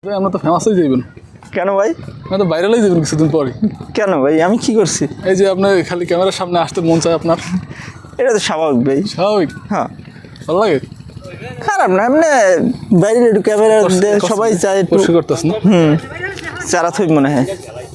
ভাই আমরা তো ফেমাস হয়ে যাবেন। কেন ভাই? আমরা তো ভাইরাল হয়ে যাবেন কিছুদিন পরে। কেন ভাই, আমি কি করছি? এই যে আপনার খালি ক্যামেরার সামনে আসতে মন চায় আপনার। এটা তো স্বাভাবিক ভাই। স্বাভাবিক। হ্যাঁ, ভালো লাগে। খারাপ না, এমনি বাইরে একটু ক্যামেরা সবাই চায় একটু কষ্ট করতেছ না? চারা থই মনে হয়।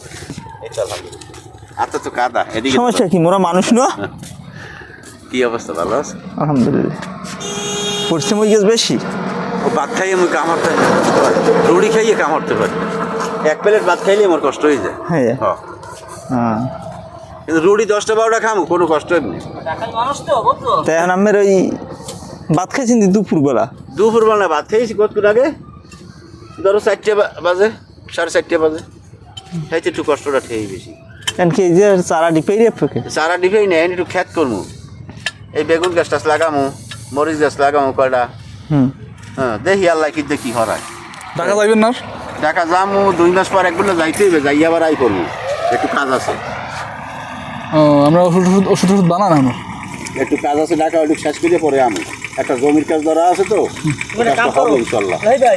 আচ্ছা তো কাদা এদিকে সমস্যা কি, মোরা মানুষ না? কি অবস্থা, ভালো আছে? আলহামদুলিল্লাহ। পরিশ্রম হয়ে গেছে বেশি। ও ভাত খাইয়ে আমি কামড়তে রুটি খাইয়ে কামড়তে পারি। এক প্লেট ভাত খাইলে আমার কষ্ট হয়ে যায়। হ্যাঁ হ্যাঁ, কিন্তু রুটি 10টা 12টা খামো কোনো কষ্ট নেই। তাই এখন আমের ওই ভাত খাইছেন দুপুরবেলা? দুপুরবেলা ভাত খাইছি কতক্ষণ আগে, ধরো 4টে বাজে, 4:30 বাজে। খাইতে একটু কষ্টটা খেয়েই বেশি। কেন কি এই যে চারা ডিপাই রেপকে সারা ডিফেই নেই, একটু খ্যাত করবো। এই বেগুন গাছ টাছ লাগামো, মরিচ গাছ লাগামো কয়টা। হ্যাঁ, দেখি আল্লাহ কি দেখি হরায়। টাকা যাইবেন না? টাকা যামো 2 মাস পর একবার যাইতে হবে, যাই আবার আই করবো, একটু কাজ আছে। ও আমরা ওষুধ বানান আমার। একটু কাজ আছে, টাকা একটু শেষ করে পরে আমি একটা জমির কাজ ধরা আছে তো, হবে ইনশাল্লাহ।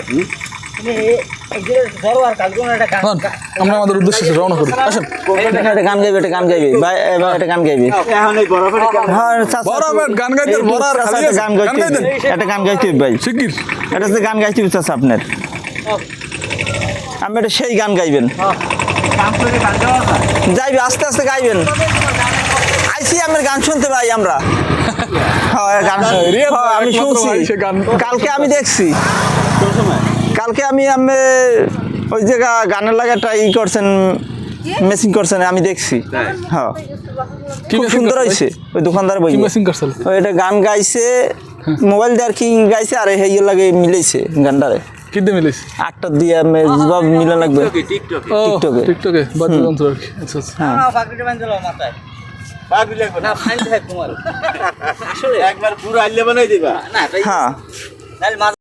আমরা আমাদের উদ্দেশ্যে রওনা করি। আসেন। একটা গান গাইবে, একটা গান গাইবে ভাই, এবার একটা গান গাইবে। এখন এই বরফের হ্যাঁ চাচা, বরাবর গান গাইতে বরার খালি একটা গান গাইতে গান গাইতেন? একটা গান গাইতে হবে ভাই। শিগগির। এটা যে গান গাইতে হবে চাচা আপনার, আমি এটা সেই গান গাইবেন। যাইবে আস্তে আস্তে গাইবেন। আইসি আমার গান শুনতে ভাই আমরা। হ্যাঁ গান আমি শুনছি, কালকে আমি দেখছি। কালকে আমি ওই জায়গা গানের লাগা ট্রাই করছেন, মেসিং করছেন, আমি দেখছি। হ্যাঁ খুব সুন্দর হয়েছে। ওই দোকানদার বই এটা গান গাইছে, মোবাইল দিয়ে আর কি গাইছে, আর এই লাগে মিলেছে গানটারে। কিনতে মিলিস 8টা দিয়ে জবাব মিলে লাগবে টিকটকে টিকটকে বাদ্যযন্ত্র আর কি। আচ্ছা আচ্ছা। একবার পুরো আইলে বানাই দিবা। হ্যাঁ